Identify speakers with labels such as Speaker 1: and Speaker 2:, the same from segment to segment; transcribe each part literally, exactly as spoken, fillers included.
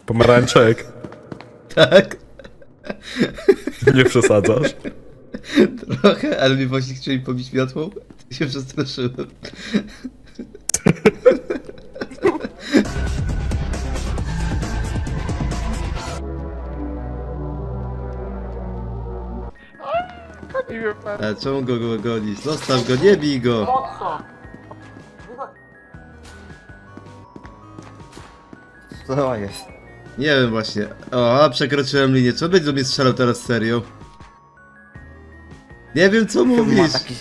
Speaker 1: Pomarańczek.
Speaker 2: Tak?
Speaker 1: Nie przesadzasz?
Speaker 2: Trochę, ale mi właśnie chcieli pobić miotłą. To się przestraszyłem. Ale czemu go, go gonisz? Zostaw go, nie bij go!
Speaker 3: Co to jest?
Speaker 2: Nie wiem właśnie. O, a przekroczyłem linię. Co będzie do mnie strzelał teraz serio? Nie wiem co
Speaker 3: Ma
Speaker 2: mówisz.
Speaker 3: taki...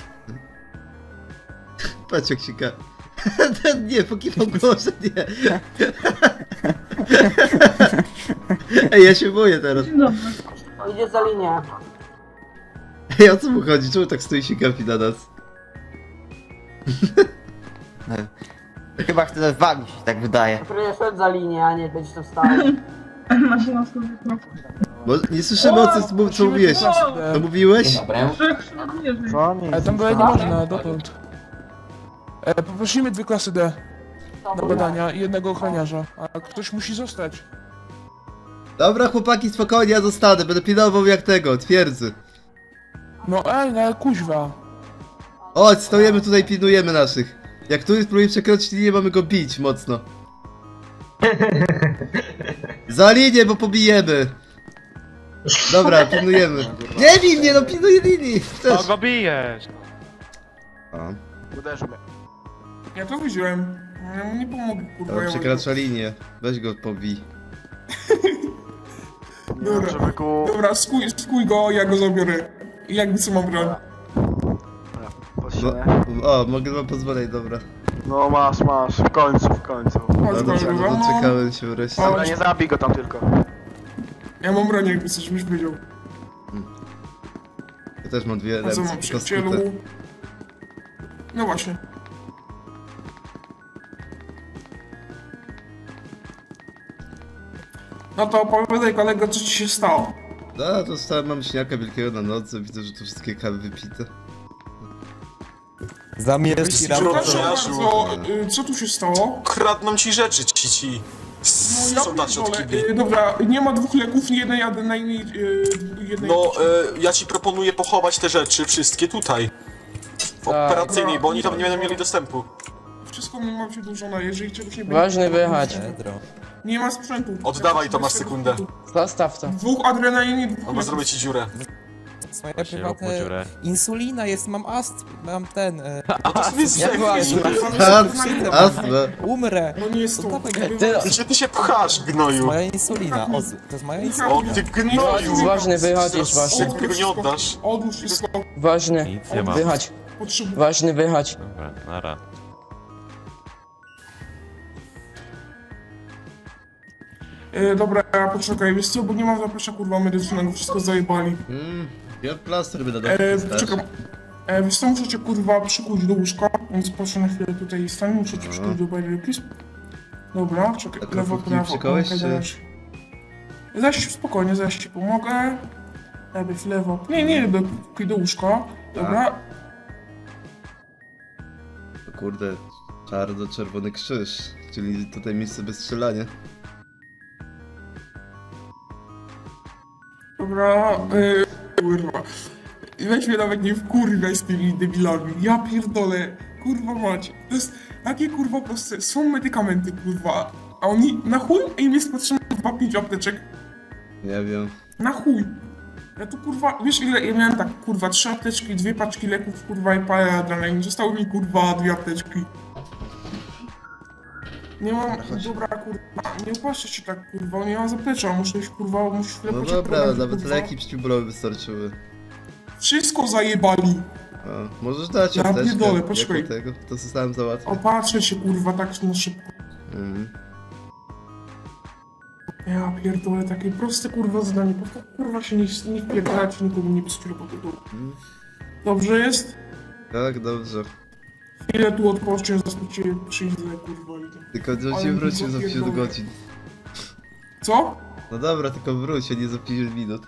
Speaker 2: Patrz jak się ka... Nie, pokiwał głowę, nie. Ej, ja się boję teraz.
Speaker 4: O, idzie za linię.
Speaker 2: Ej, o co mu chodzi? Czemu tak stoi się gapi na nas?
Speaker 3: Chyba chce z wami się tak wydaje.
Speaker 4: Który szedł za linię, a nie być tu stał.
Speaker 5: Maszyna skórnika.
Speaker 2: Bo nie słyszymy o co, co, co mówiłeś. Co mówiłeś?
Speaker 5: Ale tam dalej nie można, dotąd. E, poprosimy dwie klasy D do badania i jednego ochroniarza, a ktoś musi zostać.
Speaker 2: Dobra chłopaki, spokojnie, ja zostanę. Będę pilnował jak tego, twierdzy.
Speaker 5: No ej, no ale kuźwa.
Speaker 2: Chodź, stoimy tutaj, pilnujemy naszych. Jak któryś spróbuje przekroczyć linię, mamy go bić mocno. Za linię, bo pobijemy. Dobra, pilnujemy. Nie bij mnie, no pilnuję linii. Też.
Speaker 6: O, go bijesz!
Speaker 2: O,
Speaker 5: Ja to widziałem. Ja mu nie pomogę, kurwa.
Speaker 2: dobra,
Speaker 5: ja
Speaker 2: przekracza linię. Weź go pobij.
Speaker 5: Dobra, dobra, skuj, skuj go, ja go zabiorę. I jakby co mam broń.
Speaker 2: No, o, mogę wam pozwolić, dobra.
Speaker 7: No masz, masz, w końcu, w końcu.
Speaker 5: Chodź,
Speaker 2: Dobra,
Speaker 5: kolego, mam,
Speaker 2: doczekałem się wreszcie.
Speaker 5: Chodź.
Speaker 7: Dobra, nie zabij go tam tylko.
Speaker 5: ja mam broń, jakby coś byś wiedział.
Speaker 2: Ja też mam dwie
Speaker 5: A co mam
Speaker 2: ręce,
Speaker 5: przyjacielu?
Speaker 2: tylko
Speaker 5: No właśnie. No to opowiadaj kolego, co ci się stało.
Speaker 2: No, dostałem mam śniaka wielkiego na nodze, widzę, że tu wszystkie kawy wypite.
Speaker 8: Zamieszki
Speaker 5: Przepraszam
Speaker 8: raportu.
Speaker 5: bardzo, y, co tu się stało?
Speaker 8: Kradną ci rzeczy, ci ci.
Speaker 5: No ja
Speaker 8: Soldaci od
Speaker 5: pierdolę,
Speaker 8: kibli.
Speaker 5: y, dobra, nie ma dwóch leków, nie jednej adrenaliny, y, jednej...
Speaker 8: No, e, ja ci proponuję pochować te rzeczy wszystkie tutaj. W operacyjnej, bo oni tam nie będą mieli dostępu.
Speaker 5: Wszystko mi mam wydłużone, jeżeli czegoś nie będzie...
Speaker 9: Ważny wyjechać.
Speaker 5: Nie ma sprzętu.
Speaker 8: Oddawaj to, masz sekundę.
Speaker 9: Zostaw to.
Speaker 5: Dwóch adrenalin i dwóch
Speaker 8: Albo
Speaker 5: leków.
Speaker 8: zrobię ci dziurę.
Speaker 10: Moja prywatna insulina jest, mam ast, mam ten, e,
Speaker 8: A to sobie
Speaker 9: Jak była
Speaker 2: Astma, astma.
Speaker 10: umrę.
Speaker 5: No nie jest to.
Speaker 9: Ty,
Speaker 8: Gdzie ty się pchasz, gnoju?
Speaker 10: Moja insulina, o, to jest moja insulina.
Speaker 8: O, ty gnoju!
Speaker 9: ważny wychodzisz, ważny.
Speaker 8: Zaraz tego nie oddasz.
Speaker 5: Odłóż wszystko,
Speaker 9: Ważny.
Speaker 6: Nic nie ma.
Speaker 9: Wychodź.
Speaker 5: potrzebuję.
Speaker 9: Ważny wychodź.
Speaker 6: Dobra, nara.
Speaker 5: E, dobra, poczekaj, wiesz co, bo nie mam zaplecza kurwa medycznego, wszystko zajebali.
Speaker 2: Mm, ja plaster będę
Speaker 5: E,
Speaker 2: dał.
Speaker 5: czekam. E, wiesz co, muszę cię kurwa przykuć do łóżka, więc proszę na chwilę tutaj stanie, muszę cię przykuć do bajry please. Dobra, czekaj,
Speaker 2: A
Speaker 5: lewo,
Speaker 2: krofówki
Speaker 5: prawo,
Speaker 2: przykołeś,
Speaker 5: okej,
Speaker 2: czy-
Speaker 5: dajesz. Zaś spokojnie, zaś ci pomogę. Lewy, w lewo. Nie, nie, do, do łóżka. Dobra.
Speaker 2: O kurde, czarno-czerwony krzyż, czyli tutaj miejsce bez strzelania.
Speaker 5: Dobra, yy, kurwa. Weź mnie nawet nie wkurwiaj z tymi debilami. Ja pierdolę, kurwa macie. To jest takie kurwa proste. Są medykamenty, kurwa. A oni na chuj im jest potrzebne dwa pięć apteczek.
Speaker 2: Nie wiem.
Speaker 5: Na chuj. Ja tu kurwa, wiesz ile ja miałem tak kurwa trzy apteczki, dwie paczki leków, kurwa i parę adrenalin. Zostały mi kurwa dwie apteczki. Nie mam, dobra kurwa, nie upaszczę się tak kurwa, nie mam zaplecza, muszę iść kurwa, muszę chwilę
Speaker 2: No
Speaker 5: poczekać,
Speaker 2: dobra, nawet
Speaker 5: kurwa.
Speaker 2: leki przeciwbólowe wystarczyły.
Speaker 5: Wszystko zajebali.
Speaker 2: A, możesz dać
Speaker 5: Ja
Speaker 2: apteczkę,
Speaker 5: pierdolę,
Speaker 2: jako
Speaker 5: poczekaj.
Speaker 2: tego, to zostałem załatwić.
Speaker 5: Opatrzę się kurwa tak na szybko.
Speaker 2: Mhm.
Speaker 5: Ja pierdolę, takie proste kurwa zadanie, po prostu kurwa się nie, nie wpierdalać, nikomu nie psuć po tytułu. Dobrze jest?
Speaker 2: Tak, dobrze.
Speaker 5: Chwilę tu odpocznę, zaraz cię przyjdę kurwa i tak.
Speaker 2: Tylko że
Speaker 5: Ale
Speaker 2: się
Speaker 5: mi
Speaker 2: wrócił za pięć
Speaker 5: zapierdolę.
Speaker 2: godzin.
Speaker 5: Co?
Speaker 2: No dobra, tylko wróć się, nie za pięć minut.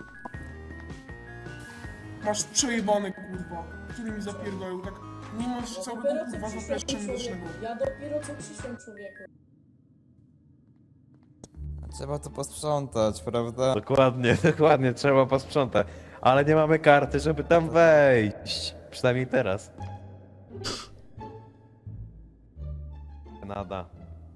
Speaker 5: Masz przejebane kurwa, który mi zapierdolał, tak nie masz całego kurwa zaplecza medycznego.
Speaker 4: Ja dopiero co przyszłem, człowieku.
Speaker 10: Trzeba to posprzątać, prawda?
Speaker 6: Dokładnie, dokładnie, trzeba posprzątać. Ale nie mamy karty, żeby tam wejść. Przynajmniej teraz. Nada.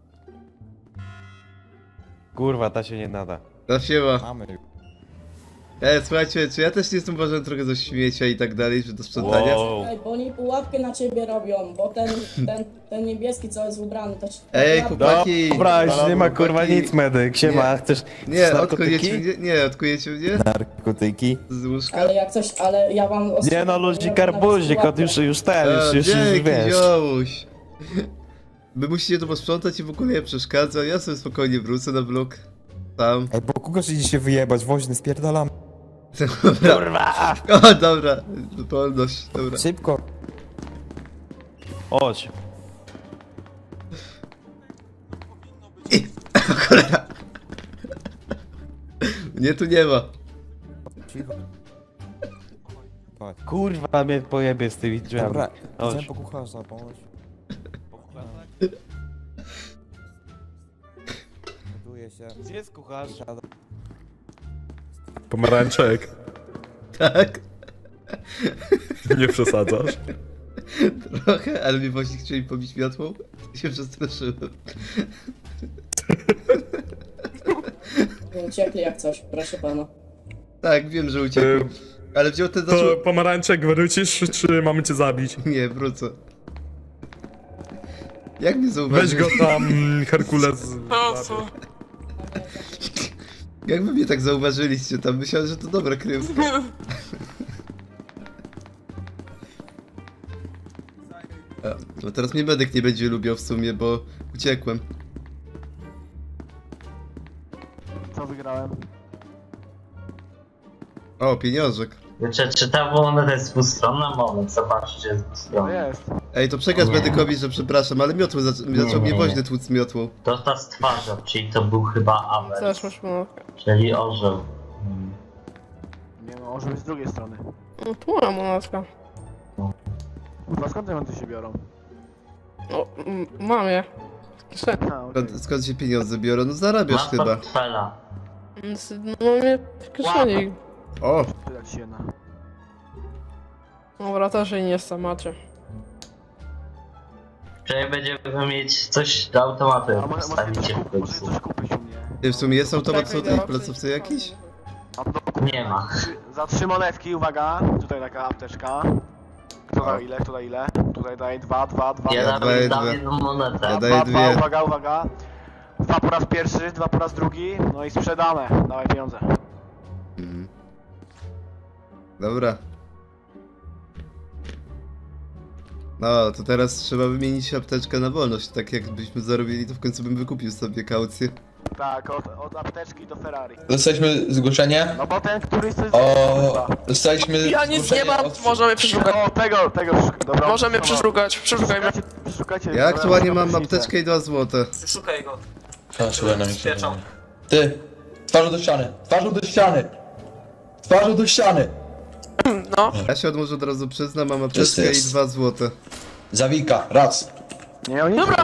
Speaker 6: Kurwa, ta się nie nada.
Speaker 2: No siema.
Speaker 10: Mamy.
Speaker 2: Ej, słuchajcie, czy ja też nie jestem uważany trochę za śmiecia i tak dalej, że do sprzątania?
Speaker 6: Wow.
Speaker 11: Ej, bo oni pułapkę na ciebie robią, bo ten, ten, ten niebieski co jest ubrany, to ci...
Speaker 2: Ej,
Speaker 11: pułapkę-
Speaker 2: chłopaki!
Speaker 6: Dobra, już nie ma kurwa
Speaker 2: chłopaki.
Speaker 6: nic, medyk. Siema, chcesz
Speaker 2: Nie,
Speaker 6: chcesz
Speaker 2: odkujecie
Speaker 6: narkotyki?
Speaker 2: mnie? Nie, odkujecie mnie?
Speaker 10: Narkotyki.
Speaker 2: Z łóżka?
Speaker 11: Ale jak coś, ale ja wam... os-
Speaker 6: Nie no, ludzi karbuzik, od już, już ten,
Speaker 2: A,
Speaker 6: już, już, już
Speaker 2: dzięki,
Speaker 6: wiesz.
Speaker 2: ziomuś. Wy musicie to posprzątać i w ogóle nie przeszkadza. Ja sobie spokojnie wrócę na blok. Tam.
Speaker 10: Ej, bo kogoś idzie się wyjebać, woźny, spierdalam.
Speaker 2: Dobra. Kurwa! O, dobra. Wolność, dobra.
Speaker 10: Szybko.
Speaker 6: Chodź.
Speaker 2: I... Cholera. Mnie tu nie ma.
Speaker 10: Cicho. Patrz.
Speaker 6: Kurwa, mnie pojebie z tymi drzwiami.
Speaker 10: Dobra,
Speaker 6: Chodź.
Speaker 10: idziemy po kucharza, pomóż. Buduję się.
Speaker 6: Gdzie jest kucharz?
Speaker 1: Pomarańczek.
Speaker 2: Tak?
Speaker 1: Nie przesadzasz?
Speaker 2: Trochę, ale mi właśnie chcieli pobić miotłą. I się przestraszyłem.
Speaker 11: Uciekli jak coś, proszę pana.
Speaker 2: Tak, wiem, że uciekł. Ale wziął ten zaczął...
Speaker 1: To pomarańczek wrócisz, czy mamy cię zabić?
Speaker 2: Nie, wrócę. Jak mnie
Speaker 1: Weź
Speaker 2: zauważyli?
Speaker 1: go tam, Herkules.
Speaker 2: Jak wy mnie tak zauważyliście tam? Myślałem, że to dobra kryjówka. A, no teraz mnie medyk nie będzie lubił w sumie, bo uciekłem.
Speaker 7: Co wygrałem?
Speaker 2: O, pieniążek.
Speaker 4: Czy, czy ta moneta jest dwustronna? Moment, zobaczcie, jest
Speaker 7: No
Speaker 4: dwustronna.
Speaker 7: jest.
Speaker 2: Ej, to przekaz
Speaker 4: Nie.
Speaker 2: medykowi, że przepraszam, ale miotły zac
Speaker 4: Nie,
Speaker 2: zaczął mnie
Speaker 4: nie,
Speaker 2: woźny
Speaker 4: nie.
Speaker 2: tłuc miotłą.
Speaker 4: To ta stwarza, czyli to był chyba Aver,
Speaker 9: masz monetkę.
Speaker 4: czyli orzeł. Hmm.
Speaker 7: Nie no, może być z drugiej strony.
Speaker 9: No tu mam monetkę.
Speaker 7: Kurwa, skąd te monety się biorą?
Speaker 9: O, m- mam je. W kieszeni.
Speaker 7: A, okej.
Speaker 2: Skąd, skąd się pieniądze biorą? No zarabiasz
Speaker 4: Masz
Speaker 2: chyba.
Speaker 4: portfela.
Speaker 9: Więc, No mam je w kieszeni.
Speaker 2: O,
Speaker 7: Tyle ci jedna.
Speaker 9: Dobra, też jej nie jestem, macie.
Speaker 4: Czyli będziemy mieć coś do automatu,
Speaker 7: A
Speaker 4: jak
Speaker 7: może, może,
Speaker 4: postawicie
Speaker 7: coś,
Speaker 4: w
Speaker 7: kup, może
Speaker 4: końcu.
Speaker 7: coś kupić u mnie?
Speaker 2: ty w sumie jest automat w
Speaker 9: Czekaj,
Speaker 2: tej
Speaker 9: dobra,
Speaker 2: placówce
Speaker 9: przyjdź.
Speaker 2: jakiś?
Speaker 7: A to kup-
Speaker 4: Nie ma.
Speaker 7: Trzy- Za trzy monetki, uwaga, tutaj taka apteczka. Kto da ile, kto da ile? Tutaj daje dwa, dwa, dwa.
Speaker 4: Ja
Speaker 2: daję
Speaker 4: dam, dam
Speaker 2: dwie.
Speaker 4: jedną monetę.
Speaker 2: Ja
Speaker 7: dwa,
Speaker 2: daję
Speaker 7: dwa,
Speaker 2: dwie.
Speaker 7: uwaga, uwaga. Dwa po raz pierwszy, dwa po raz drugi, no i sprzedane. Dawaj pieniądze.
Speaker 2: Mhm. Dobra. No, to teraz trzeba wymienić apteczkę na wolność. Tak jakbyśmy zarobili, to w końcu bym wykupił sobie kaucję.
Speaker 7: Tak, od, od apteczki do Ferrari.
Speaker 12: Dostaliśmy zgłoszenie.
Speaker 7: No bo ten, który chce...
Speaker 12: O, dostaliśmy
Speaker 9: Ja nic nie
Speaker 12: zgłoszenie
Speaker 9: mam,
Speaker 12: od-
Speaker 9: możemy przeszukać.
Speaker 7: O, tego, tego, przeszuk- dobra.
Speaker 9: Możemy
Speaker 7: dobra.
Speaker 9: przeszukać, przeszukajmy.
Speaker 7: Przeszukajcie, przeszukajcie.
Speaker 2: Ja aktualnie mam
Speaker 7: różnicę.
Speaker 2: apteczkę i dwa złote.
Speaker 8: Szukaj go.
Speaker 12: A, szukaj na mnie.
Speaker 8: Świeczą.
Speaker 12: Ty, twarzą do ściany, twarzą do ściany. Twarzą do ściany.
Speaker 9: No,
Speaker 2: Ja się od może od razu przyznam, mam
Speaker 12: Czysty
Speaker 2: apteczkę i
Speaker 12: jest.
Speaker 2: dwa złote.
Speaker 12: Zawika, raz.
Speaker 7: Nie, oni...
Speaker 9: dobra.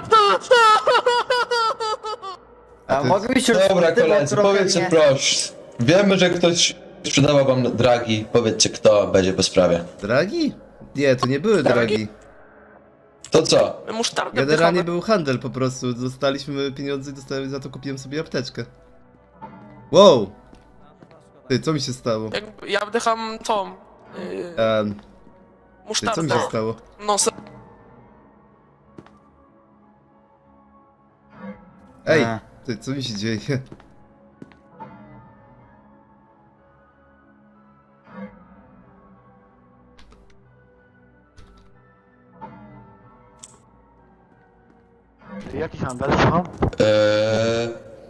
Speaker 2: A
Speaker 3: A
Speaker 2: ty-
Speaker 3: mogę się
Speaker 12: Dobra
Speaker 3: już
Speaker 12: koledzy,
Speaker 3: trochę
Speaker 12: powiedzcie
Speaker 3: nie-
Speaker 12: proszę. Wiemy, że ktoś sprzedawał wam dragi. Powiedzcie kto będzie po sprawie.
Speaker 2: Dragi? Nie, to nie były dragi.
Speaker 12: To co?
Speaker 9: Musztardę
Speaker 2: Generalnie
Speaker 9: wdychamy.
Speaker 2: był handel po prostu. Dostaliśmy pieniądze i dostałem, za to kupiłem sobie apteczkę. Wow! Ty, co mi się stało?
Speaker 9: Jak, ja wdycham tą... Yy,
Speaker 2: Um, ty, co
Speaker 9: musztardę.
Speaker 2: mi się stało?
Speaker 9: No, se...
Speaker 2: Ej,
Speaker 3: A.
Speaker 2: ty, co mi się dzieje?
Speaker 7: Ty, jaki handel, słucham?
Speaker 12: Eee...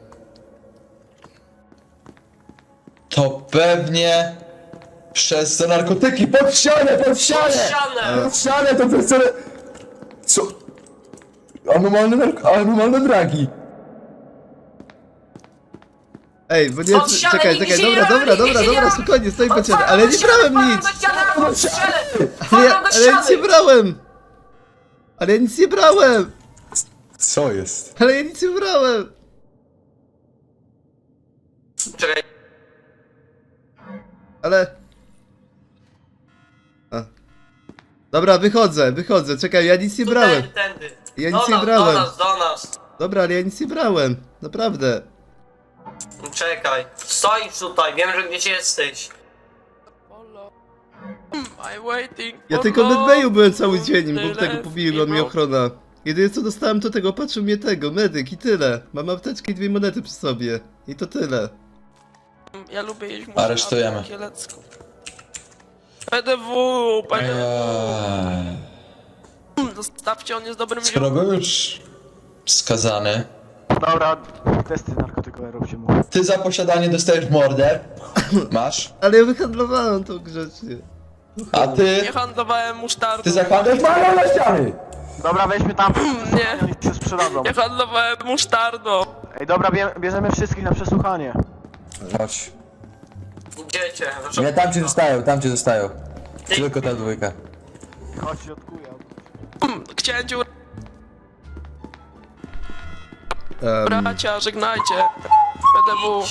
Speaker 12: To pewnie przez te narkotyki. Pod ścianę, pod ścianę!
Speaker 9: Ścianę!
Speaker 12: Pod ścianę to przez te... Co? Anormalne, nark- anormalne dragi.
Speaker 2: Ej, bo nie...
Speaker 4: Pod ścianę,
Speaker 2: Czekaj,
Speaker 4: nigdy
Speaker 2: czekaj,
Speaker 4: się nie
Speaker 2: dobra,
Speaker 4: brałem,
Speaker 2: dobra,
Speaker 4: nigdy
Speaker 2: dobra,
Speaker 4: się nie
Speaker 2: dobra,
Speaker 4: brałem.
Speaker 2: spokojnie, stoi po ciebie,
Speaker 4: Otwarłem
Speaker 2: ale
Speaker 4: do
Speaker 2: nie
Speaker 4: ściany,
Speaker 2: brałem nic!
Speaker 4: otwarłem do ściany, otwarłem do ściany!
Speaker 2: Ale ja,
Speaker 4: Otwarłem do
Speaker 2: ale ja nic nie
Speaker 4: ściany!
Speaker 2: brałem! Ale ja nic nie brałem!
Speaker 12: Co jest?
Speaker 2: Ale ja nic nie brałem!
Speaker 3: Czekaj.
Speaker 2: Ale... A. Dobra, wychodzę, wychodzę, czekaj, ja nic nie brałem.
Speaker 3: Tędy.
Speaker 2: Ja nic nie brałem.
Speaker 3: do nas.
Speaker 2: Dobra, ale ja nic nie brałem, naprawdę.
Speaker 3: Czekaj. Stoisz tutaj, wiem, że gdzieś jesteś.
Speaker 9: I'm waiting.
Speaker 2: Ja
Speaker 9: for
Speaker 2: tylko w
Speaker 9: love.
Speaker 2: medbayu byłem cały dzień, bo
Speaker 9: Tyle
Speaker 2: tego pobiła mnie
Speaker 9: people.
Speaker 2: ochrona. Jedyne co dostałem to tego, patrzył mnie tego, medyk i tyle. Mam apteczkę i dwie monety przy sobie. I to tyle.
Speaker 9: Ja lubię jeść musztardę
Speaker 12: Aresztujemy.
Speaker 9: kielecką. P D W, P D W.
Speaker 12: Eee,
Speaker 9: Zostawcie, on jest dobrym
Speaker 12: skoro był już skazany,
Speaker 7: Dobra, testy narkotykowe róbcie mu.
Speaker 12: ty za posiadanie dostajesz mordę. Masz.
Speaker 2: Ale ja wyhandlowałem to grzecznie.
Speaker 12: A ty...
Speaker 9: Nie handlowałem musztardą.
Speaker 12: Ty zakładasz malą na ściany!
Speaker 7: Dobra, weźmy tam,
Speaker 9: Nie.
Speaker 7: oni się sprzedadzą.
Speaker 9: Nie handlowałem musztardą.
Speaker 7: Ej, dobra, bie bierzemy wszystkich na przesłuchanie.
Speaker 12: Chodź.
Speaker 3: Gdzie cię?
Speaker 12: Nie, tam cię zostają, tam cię zostają. Tylko ta dwójka.
Speaker 7: Chodź, środkuję.
Speaker 9: Chciałem cię
Speaker 2: Um,
Speaker 9: bracia, żegnajcie. P D W.
Speaker 2: um,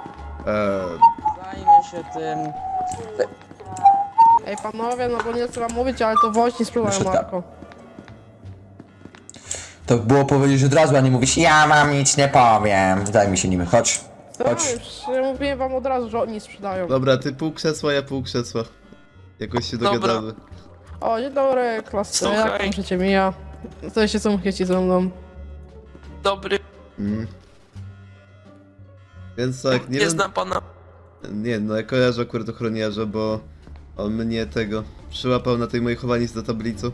Speaker 11: Zajmę się tym. Ej panowie, no bo nie chcę wam mówić, ale to woźni spróbują
Speaker 12: Proszę,
Speaker 11: Marko.
Speaker 12: To było powiedzieć od razu, a nie mówisz, ja mam nic nie powiem. Daj mi się nimi, chodź. Chodź.
Speaker 11: Tak, ja mówiłem wam od razu, że oni sprzedają.
Speaker 2: dobra, ty pół krzesła, ja pół krzesła. Jakoś się
Speaker 9: Dobra.
Speaker 2: dogadamy.
Speaker 11: O, dzień dobry, klasy, jak
Speaker 9: Słuchaj.
Speaker 11: tam życie mija? Co się są chęci ze mną?
Speaker 9: Dobry,
Speaker 2: Mm. Więc tak, nie
Speaker 9: nie
Speaker 2: wiem...
Speaker 9: znam pana.
Speaker 2: Nie, no ja kojarzę akurat ochroniarza, bo on mnie tego przyłapał na tej mojej chowanicy do tablicy.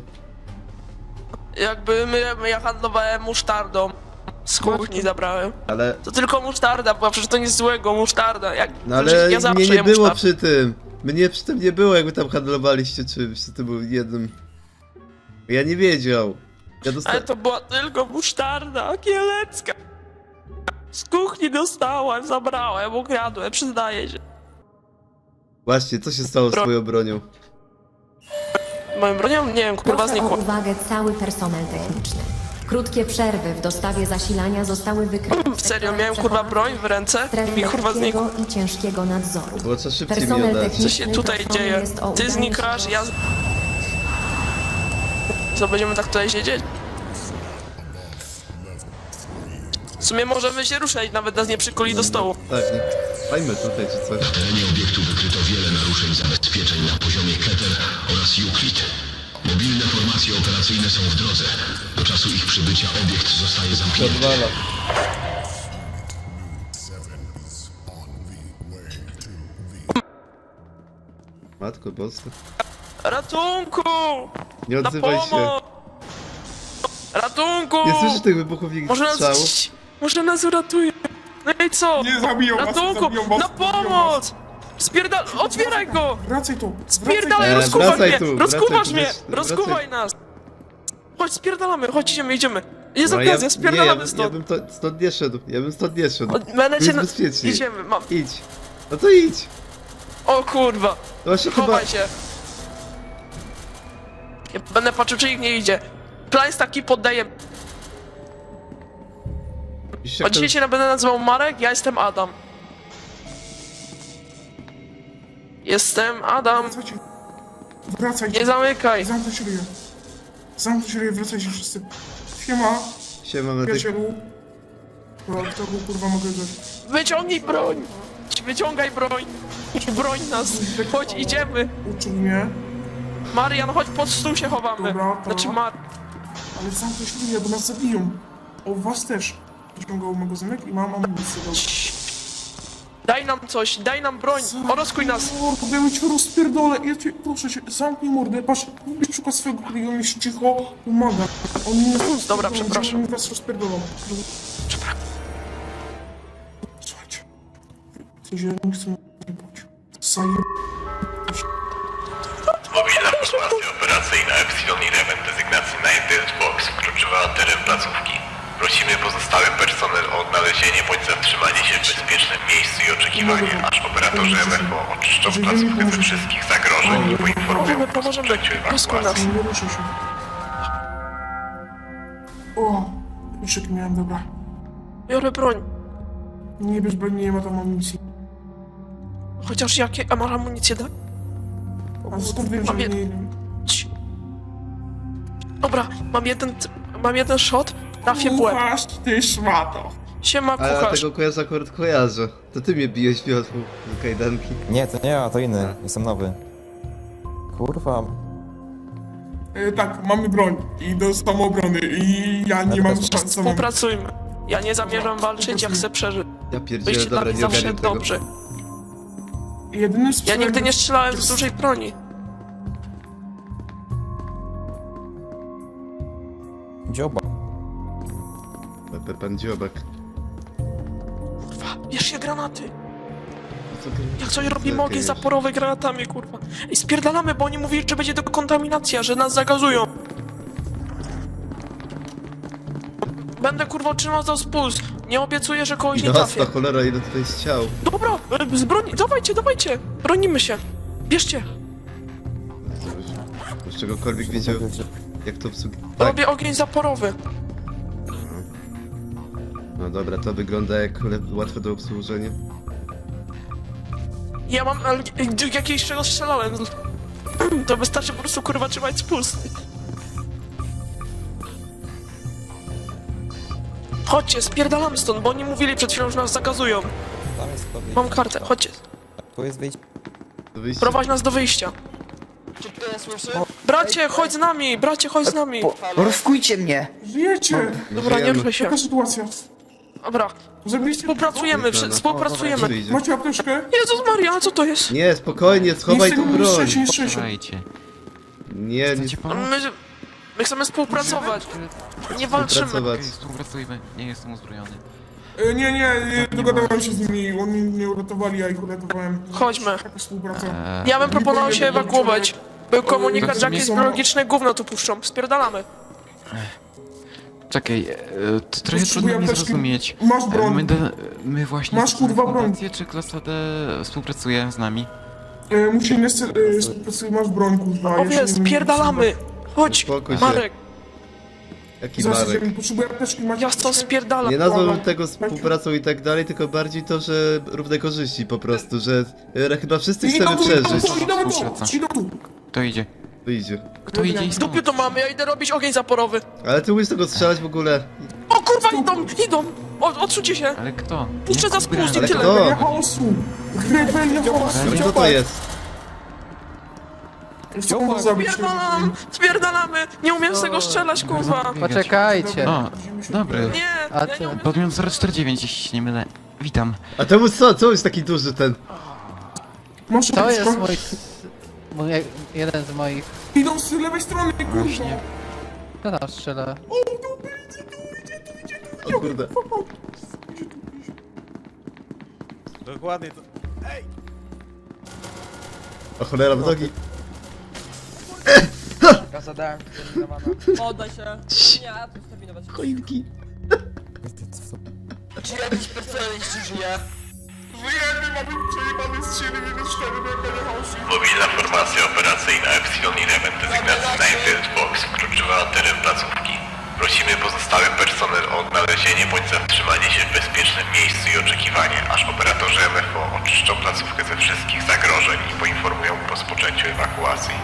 Speaker 9: Jakby my, my ja handlowałem musztardą. Z kuchni zabrałem.
Speaker 2: Ale,
Speaker 9: To tylko musztarda była, przecież to nic złego, musztarda. Jak,
Speaker 2: no ale
Speaker 9: ja zawsze
Speaker 2: mnie nie
Speaker 9: jem
Speaker 2: było
Speaker 9: musztardę.
Speaker 2: przy tym. Mnie przy tym nie było, jakby tam handlowaliście czymś, to był jednym. Ja nie wiedział. Ja
Speaker 9: Ale
Speaker 2: dostałem...
Speaker 9: to była tylko musztarda kielecka. Z kuchni dostałem, zabrałem, ukradłem, przyznaję się.
Speaker 2: Właśnie, co się stało z
Speaker 9: Bro-
Speaker 2: twoją bronią?
Speaker 9: Moją bronią? Nie wiem, kurwa
Speaker 13: Proszę o
Speaker 9: znikła.
Speaker 13: uwagę cały personel techniczny. Krótkie przerwy w dostawie zasilania zostały wykryte.
Speaker 9: Serio, miałem kurwa broń w ręce i mi kurwa znikła.
Speaker 13: i ciężkiego nadzoru.
Speaker 2: Było trzeba szybciej mi
Speaker 13: Personel
Speaker 2: oddać.
Speaker 13: techniczny
Speaker 9: Co się tutaj
Speaker 13: proszony
Speaker 9: dzieje?
Speaker 13: jest o
Speaker 9: Ty
Speaker 13: udanie
Speaker 9: znikasz,
Speaker 13: się
Speaker 9: ja... z- Co, będziemy tak tutaj siedzieć? W sumie możemy się ruszać, nawet nas nie przykuli do stołu.
Speaker 2: Tak, nie? Fajmy tutaj czy coś.
Speaker 14: terenie obiektu wykryto wiele naruszeń zabezpieczeń na poziomie Keter oraz Euclid. Mobilne formacje operacyjne są w drodze. Do czasu ich przybycia obiekt zostaje zamknięty.
Speaker 2: Podwala. Matko boska.
Speaker 9: Ratunku!
Speaker 2: Nie
Speaker 9: Na
Speaker 2: odzywaj się.
Speaker 9: pomoc! Ratunku!
Speaker 2: Nie słyszysz tych wybuchów ich
Speaker 9: Może
Speaker 2: strzałów?
Speaker 9: nas... Może nas uratuje. No i co?
Speaker 5: Nie zabiją was,
Speaker 9: Ratunku!
Speaker 5: zabiją was,
Speaker 9: Na
Speaker 5: zabiją
Speaker 9: pomoc! Spierdal... Otwieraj go!
Speaker 5: Wracaj tu,
Speaker 9: Spierdalaj,
Speaker 2: E,
Speaker 9: rozkuwasz
Speaker 2: wracaj
Speaker 9: mnie!
Speaker 2: tu,
Speaker 9: Rozkuwasz
Speaker 2: wracaj tu,
Speaker 9: mnie!
Speaker 2: wracaj-
Speaker 9: Rozkuwaj nas! Chodź, spierdalamy, chodź, idziemy, idziemy. Jest
Speaker 2: No,
Speaker 9: okazja,
Speaker 2: nie, ja,
Speaker 9: spierdalamy
Speaker 2: bym-
Speaker 9: stąd.
Speaker 2: ja bym to, stąd nie szedł, ja bym stąd nie szedł.
Speaker 9: O, Będę
Speaker 2: Tu
Speaker 9: cię
Speaker 2: jest
Speaker 9: na...
Speaker 2: bezpiecznie.
Speaker 9: Idziemy, mam...
Speaker 2: Idź. No to idź.
Speaker 9: O kurwa!
Speaker 2: No właśnie chyba...
Speaker 9: Chowaj się! Ja będę patrzył, czy ich nie idzie. Plan jest taki, poddaję.
Speaker 2: Widzisz, jak
Speaker 9: Od dzisiaj się będę nazywał Marek, ja jestem Adam. Jestem Adam.
Speaker 5: Wracajcie. Wracajcie.
Speaker 9: Nie zamykaj.
Speaker 5: Zamknąć ryję. Zamknąć ryję, wracajcie wszyscy. Siema,
Speaker 2: to... Siema, medyk.
Speaker 5: przyjacielu. Dobra, kto go kurwa mogę dać?
Speaker 9: Wyciągnij broń. Wyciągaj broń. Broń nas. Chodź, idziemy.
Speaker 5: Uczył mnie,
Speaker 9: Marian, chodź, pod stół się chowamy.
Speaker 5: Dobra, to-
Speaker 9: Znaczy Mar...
Speaker 5: ale zamknąć ryję, bo nas zabiją. O, was też. Wyciągał magazynek i mam amunicję. Dobra.
Speaker 9: Daj nam coś, daj nam broń. Oroskuj nas.
Speaker 5: Mordo, ja cię rozpierdolę. Ja cię, proszę cię, zamknij mordę. Patrz, lubisz szukać swojego kolegi, on jest cicho, pomaga. On nie jest
Speaker 9: Dobra, przepraszam.
Speaker 5: Oni was rozpierdolą. Słuchajcie. W sensie, nie chcę nie bać. Zajem...
Speaker 14: Mobilna formacja operacyjna Epsilon Eleven dezygnacji Night Box wkroczyła na teren placówki. Prosimy pozostały personel o odnalezienie bądź zatrzymanie się w bezpiecznym miejscu i oczekiwanie, aż operatorzy M F O oczyszczą placówkę ze wszystkich zagrożeń i poinformują
Speaker 9: Pomożemy,
Speaker 14: o
Speaker 9: pomożemy.
Speaker 14: rozpoczęciu
Speaker 9: Oroskuj nas.
Speaker 14: ewakuacji.
Speaker 5: Nie ruszę się. O, kluczyk miałem, dobra.
Speaker 9: Biorę broń.
Speaker 5: Nie wiesz, bo nie ma tam amunicji.
Speaker 9: Chociaż jakie, a masz amunicję, tak?
Speaker 5: A skąd wiem, że
Speaker 9: Mam
Speaker 5: nie...
Speaker 9: jed- Cii. Dobra, mam jeden, mam jeden shot, trafię w łeb.
Speaker 5: Kucharz, ty szmato.
Speaker 9: Siema,
Speaker 2: A ja
Speaker 9: kucharz.
Speaker 2: tego kojarza akurat kojarzę. To ty mnie bijesz wiotłą do kajdanki.
Speaker 6: Nie, to nie ja, to inny. Jestem nowy. Kurwa.
Speaker 5: E, tak, mamy broń i do samoobrony i ja nie mam szans samemu.
Speaker 9: Współpracujmy. Ja nie zamierzam walczyć, ja chcę przeżyć.
Speaker 2: Ja pierdzielę,
Speaker 9: Wyjście dla
Speaker 2: dobra,
Speaker 9: mnie
Speaker 2: nie
Speaker 9: zawsze
Speaker 2: ogarniam tego.
Speaker 9: dobrze.
Speaker 5: Jedynym
Speaker 9: Ja
Speaker 5: sposobem...
Speaker 9: nigdy nie strzelałem z dużej broni.
Speaker 6: Dzioba.
Speaker 2: Pe- Pan Dziobak.
Speaker 9: Kurwa, bierz się granaty.
Speaker 2: Co ty-
Speaker 9: Jak coś robimy
Speaker 2: Zerkaj
Speaker 9: ogień
Speaker 2: jeszcze.
Speaker 9: zaporowy granatami, kurwa. I spierdalamy, bo oni mówili, że będzie dekontaminacja, że nas zagazują. Będę kurwa trzymał za spust. Nie obiecuję, że kogoś nie trafię.
Speaker 2: Jasna cholera, ile tutaj jest ciał.
Speaker 9: Dobra, e, z broni, dawajcie, dawajcie. Bronimy się. Bierzcie.
Speaker 2: Z czegokolwiek wiedział, jak to obsługi... Tak.
Speaker 9: Robię ogień zaporowy.
Speaker 2: No dobra, to wygląda jak le- łatwe do obsłużenia.
Speaker 9: Ja mam ale, e, jakieś czego strzelałem. To wystarczy po prostu kurwa trzymać spust. Chodźcie, spierdalamy stąd, bo oni mówili przed chwilą, że nas zagazują.
Speaker 6: Tam jest to wyjście.
Speaker 9: Mam kartę, chodźcie.
Speaker 6: Tu jest wyjście.
Speaker 2: To wyjście...
Speaker 9: Prowadź nas do wyjścia. Bracie, chodź z nami, bracie, chodź z nami.
Speaker 10: Rozkujcie mnie!
Speaker 5: Żyjecie!
Speaker 9: Dobra, nie ruszaj się.
Speaker 5: Jaka sytuacja?
Speaker 9: Dobra,
Speaker 5: Żebyście...
Speaker 9: współpracujemy, wszy- współpracujemy.
Speaker 2: Wyjdzie.
Speaker 5: Macie apteczkę?
Speaker 9: Jezus Maria, ale co to jest?
Speaker 2: Nie, spokojnie, schowaj
Speaker 5: Nic
Speaker 2: tą
Speaker 5: tego nie
Speaker 2: broń.
Speaker 5: strzesie, nie strzesie.
Speaker 2: Nie, nie
Speaker 9: My, my chcemy współpracować. Nie walczymy.
Speaker 2: pracować.
Speaker 10: Współpracujmy, nie jestem uzbrojony.
Speaker 5: E, nie, nie, nie, dogadałem się z nimi, oni mnie uratowali, ja ich uratowałem.
Speaker 9: Chodźmy.
Speaker 5: Taka współpraca.
Speaker 9: Ja bym proponował się ewakuować. Był komunikat, że jakieś
Speaker 5: Są-
Speaker 9: biologiczne gówno tu puszczą. Spierdalamy.
Speaker 10: Czekaj, e, to trochę
Speaker 5: Potrzebuję
Speaker 10: trudno mi
Speaker 5: apteczki.
Speaker 10: zrozumieć.
Speaker 5: Masz
Speaker 10: E,
Speaker 5: broń.
Speaker 10: My, do, my właśnie
Speaker 5: Masz,
Speaker 10: jesteśmy
Speaker 5: kurwa, broń.
Speaker 10: fundację, czy klasa D współpracuje z nami?
Speaker 5: E, musi nie e, współpracuj, masz broń, kurwa. ja się
Speaker 9: Owie,
Speaker 5: nie wiem,
Speaker 9: spierdalamy. Chodź,
Speaker 2: Uspokój się.
Speaker 9: Marek.
Speaker 2: Jaki
Speaker 5: Zaraz
Speaker 2: Marek?
Speaker 5: idziemy, potrzebuję apteczki, macie
Speaker 9: Ja stąd
Speaker 5: apteczkę?
Speaker 9: spierdalam.
Speaker 2: Nie nazwałbym tego współpracą i tak dalej, tylko bardziej to, że równe korzyści po prostu, że e, chyba wszyscy chcemy
Speaker 5: Idą tu, idą
Speaker 2: przeżyć.
Speaker 5: tu, idą tu,
Speaker 10: Współpraca.
Speaker 5: idą tu.
Speaker 10: Kto idzie?
Speaker 2: Wyjdzie.
Speaker 10: Kto idzie i
Speaker 9: W dupie to mamy, ja idę robić ogień zaporowy.
Speaker 2: Ale ty umiesz tego strzelać w ogóle.
Speaker 9: O kurwa, idą, idą. O, odsuńcie się.
Speaker 10: Ale kto?
Speaker 9: Puszczę za
Speaker 10: Jak
Speaker 9: spust i
Speaker 2: Ale
Speaker 9: tyle.
Speaker 2: kto?
Speaker 5: Rebelia chaosu! Rebelia chaosu!
Speaker 2: Ale co to jest?
Speaker 5: Chcą go zabić.
Speaker 9: Spierdalam, spierdalamy. Nie umiem z tego strzelać, kurwa.
Speaker 10: Poczekajcie. O, dobry.
Speaker 9: Nie, ja nie umiem.
Speaker 10: Podmiot zero cztery dziewięć, jeśli się nie mylę. Witam.
Speaker 2: A temu co? Co jest taki duży ten?
Speaker 5: Masz
Speaker 11: To jest
Speaker 5: apteczkę?
Speaker 11: mój... mój jeden z moich...
Speaker 5: Idą z lewej strony, kurwa!
Speaker 11: Kto tam strzela?
Speaker 2: O kurde.
Speaker 6: Dokładnie to.
Speaker 2: O cholera, w nogi.
Speaker 9: Oddaj się. Nie, to stabilizować.
Speaker 2: Choinki.
Speaker 3: Czy jakiś personel jeszcze żyje?
Speaker 5: Wyjemy, mamy przejebane z trzy minus cztery, Rebelia chaosu!
Speaker 14: Mobilna formacja operacyjna Epsilon Element dezygnacji Night Box wkroczyła na teren placówki. Prosimy pozostały personel o odnalezienie bądź zatrzymanie się w bezpiecznym miejscu i oczekiwanie, aż operatorzy M F O oczyszczą placówkę ze wszystkich zagrożeń i poinformują po rozpoczęciu ewakuacji.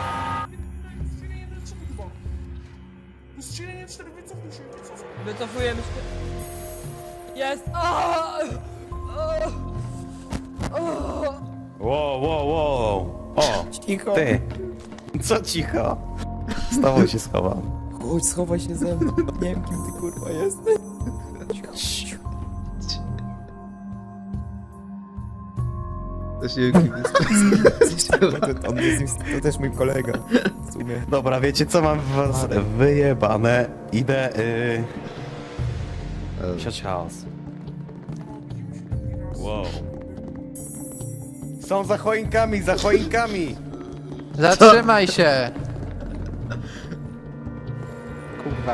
Speaker 5: Strzelenie cztery, wycofnij się, wycofnij się.
Speaker 9: Wycofujemy się. Jest.
Speaker 6: Wow, wow, wow. O, cicho. Ty. Co cicho? Z tobą się schowam. Chodź, schowaj się ze mną. Nie wiem, kim ty kurwa jesteś.
Speaker 2: To się kim jest.
Speaker 6: On jest, to też mój kolega. W sumie. Dobra, wiecie co mam w was wyjebane? Idę, yy... siać chaos. Wow. Są za choinkami, za choinkami!
Speaker 11: Zatrzymaj się! Kurwa.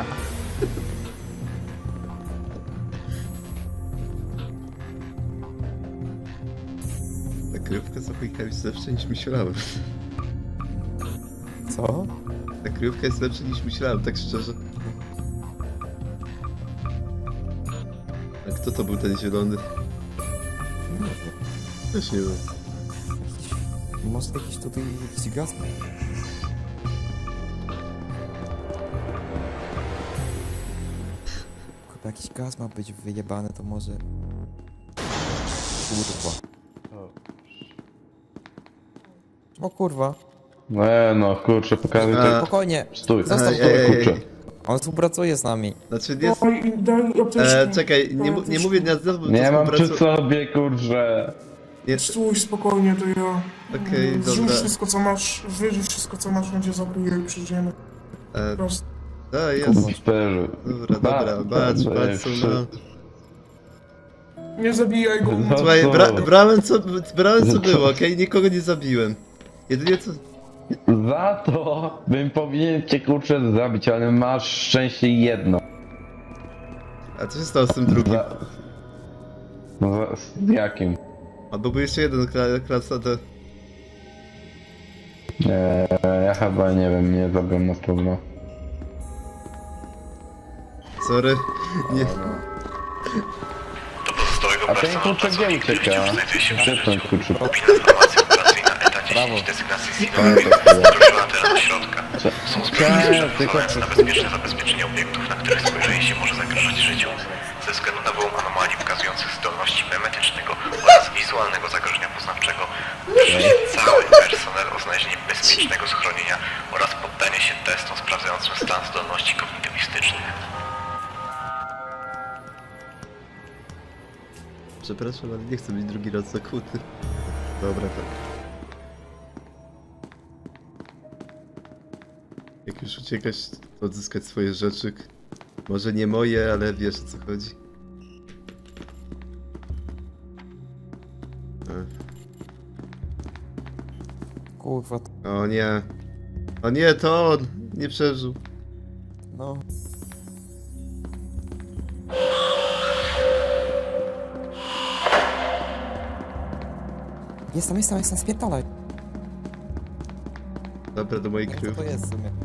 Speaker 2: Ta kryjówka z choinkami jest lepsza niż myślałem.
Speaker 6: Co?
Speaker 2: Ta kryjówka jest lepsza niż myślałem, tak szczerze. A Kto to był ten zielony? Też nie wiem.
Speaker 10: Może jakiś tutaj jakiś gaz? Chyba jakiś gaz ma być wyjebany, to może... Kurwa. O kurwa.
Speaker 12: Nie no, kurczę, pokażę
Speaker 2: A.
Speaker 10: Spokojnie.
Speaker 12: Stój,
Speaker 10: Zostaw
Speaker 2: Ej,
Speaker 10: to.
Speaker 2: ej, ej,
Speaker 12: kurczę.
Speaker 2: ej.
Speaker 10: On współpracuje z nami.
Speaker 2: Znaczy nie...
Speaker 5: Daj, daj apteczkę.
Speaker 2: E, czekaj, nie, mu- nie mówię na znowu,
Speaker 12: Nie mam przy
Speaker 2: współpracu-
Speaker 12: sobie, kurczę.
Speaker 2: Nie,
Speaker 5: Stój spokojnie, to ja...
Speaker 2: Okej,
Speaker 5: mm, Zrzuć
Speaker 2: dobra.
Speaker 5: wszystko co masz, wyrzuć wszystko co masz, będzie zabije i przyjdziemy.
Speaker 2: e,
Speaker 5: Prosto.
Speaker 2: da, jest.
Speaker 12: Super.
Speaker 2: Dobra, dobra, patrz, patrz, co ma.
Speaker 5: Nie zabijaj go.
Speaker 12: No.
Speaker 2: Słuchaj,
Speaker 12: co?
Speaker 2: bra brałem co, brałem co
Speaker 12: Co?
Speaker 2: było, okej? Nikogo nie zabiłem. Jedynie co...
Speaker 12: Za to bym powinien cię, kurczę, zabić, ale masz szczęście jedno.
Speaker 2: A co się stało z tym drugim?
Speaker 12: Za... Za... Z jakim?
Speaker 2: Albo był jeszcze jeden kla klasa D.
Speaker 12: Nie, ja chyba nie wiem, nie zabiłem na pewno.
Speaker 2: Sorry. Nie.
Speaker 14: Do pozostałego
Speaker 12: A ten
Speaker 14: personelu
Speaker 12: kurczę gdzie
Speaker 14: placówki, który
Speaker 12: ucieka?
Speaker 14: wciąż znajduje się w
Speaker 12: Gdzie ten kurczę?
Speaker 14: Mobilna formacja operacyjna ETA dziesięć desygnacji
Speaker 12: Ale
Speaker 14: C
Speaker 12: to chuja.
Speaker 14: zdążyła teraz do środka. Są zbrojni
Speaker 12: Cześć, tylko
Speaker 14: sprzęt na bezpieczne zabezpieczenie obiektów, na których spojrzenie się może zagrażać życiu. Ze względu na wyłom anomalii pokazujących zdolności memetycznego oraz wizualnego zagrożenia poznawczego, proszę cały personel o znalezienie bezpiecznego schronienia oraz poddanie się testom sprawdzającym stan zdolności kognitywistycznych.
Speaker 2: Przepraszam, ale nie chcę być drugi raz zakuty. Dobra, tak. Jak już uciekać, to odzyskać swoje rzeczy. Może nie moje, ale wiesz o co chodzi.
Speaker 10: Kurwa.
Speaker 2: O nie. O nie, to on! Nie przeżył.
Speaker 10: No. Jest tam, jest tam, jest tam, spierdalaj.
Speaker 2: Dobra, do mojej
Speaker 10: Co
Speaker 2: kryjówki.
Speaker 10: to jest w sumie?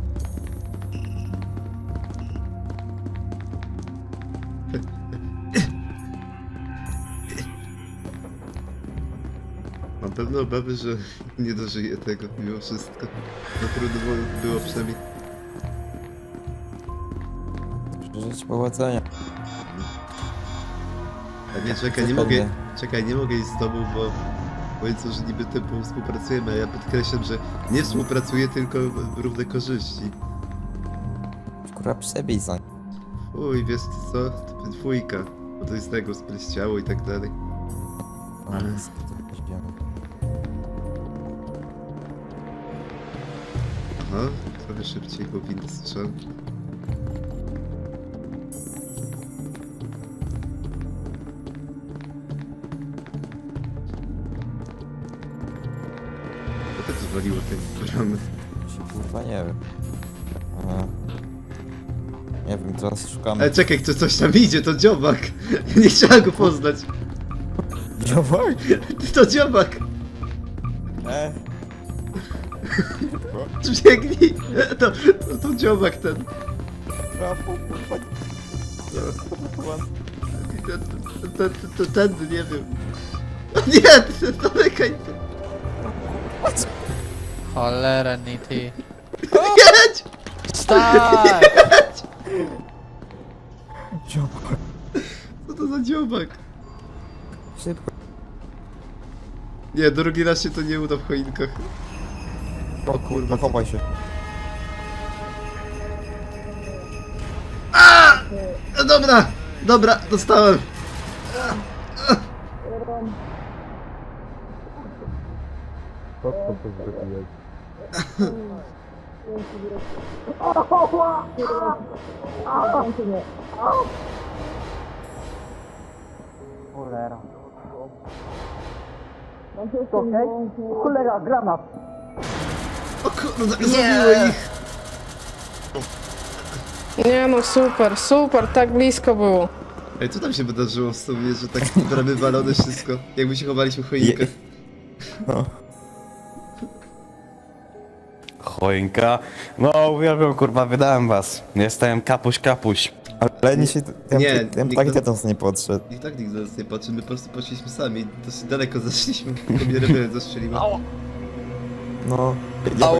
Speaker 2: Mam pewne obawy, że nie dożyję tego mimo wszystko. No trudno było- było przynajmniej.
Speaker 10: Życzę powodzenia.
Speaker 2: A nie, czekaj, nie mogę, czekaj, nie mogę iść z tobą, bo powiedzą, że niby tempo współpracujemy, a ja podkreślam, że nie współpracuję, tylko równe korzyści.
Speaker 10: Kurwa, przebij za.
Speaker 2: Uj, wiesz co, to będzie dwójka, bo to jest tego, spleściało i tak dalej.
Speaker 10: Ale jest to poziom.
Speaker 2: Aha, trochę szybciej, bo winny strzał. To tak zwaliło te bramy.
Speaker 10: Kurwa, nie wiem. Aha. Nie wiem, teraz szukamy.
Speaker 2: Ale czekaj, to coś tam idzie, to dziobak! Nie trzeba go poznać.
Speaker 10: Dziobak?
Speaker 2: To dziobak!
Speaker 10: E.
Speaker 2: Biegnij! To, to, to dziobak ten.
Speaker 10: Brawo, kurwa.
Speaker 2: Ten, ten, ten, ten, nie wiem. Nie, zamykaj to.
Speaker 11: Cholera, Nity.
Speaker 2: Jedź!
Speaker 11: Wstań!
Speaker 10: Dziobak.
Speaker 2: Co to za dziobak?
Speaker 10: Szybko.
Speaker 2: Nie, drugi raz się to nie uda w choinkach.
Speaker 10: O kurwa, chowaj się.
Speaker 2: A! No dobra, dobra, dostałem.
Speaker 1: Co to zrobiłeś?
Speaker 11: Cholera. Okej? Cholera, granat.
Speaker 2: O kurde, zabiło ich.
Speaker 11: Nie no, super, super, tak blisko było.
Speaker 2: Ej, co tam się wydarzyło w sumie, że tak bramy walone wszystko? Jakby się chowaliśmy w choinkach.
Speaker 6: No. Choinka. No, uwielbiam, kurwa, wydałem was. Jestem kapuś kapuś.
Speaker 10: Ale nie się... Ja,
Speaker 2: Nie,
Speaker 10: ja, ja
Speaker 2: nikt
Speaker 10: tak
Speaker 2: nas-
Speaker 10: do nas nie podszedł.
Speaker 2: I tak nikt z nas nie patrzy, my po prostu poszliśmy sami. Dosyć daleko zeszliśmy, tylko mnie rebel zastrzeliła.
Speaker 10: No... Ja,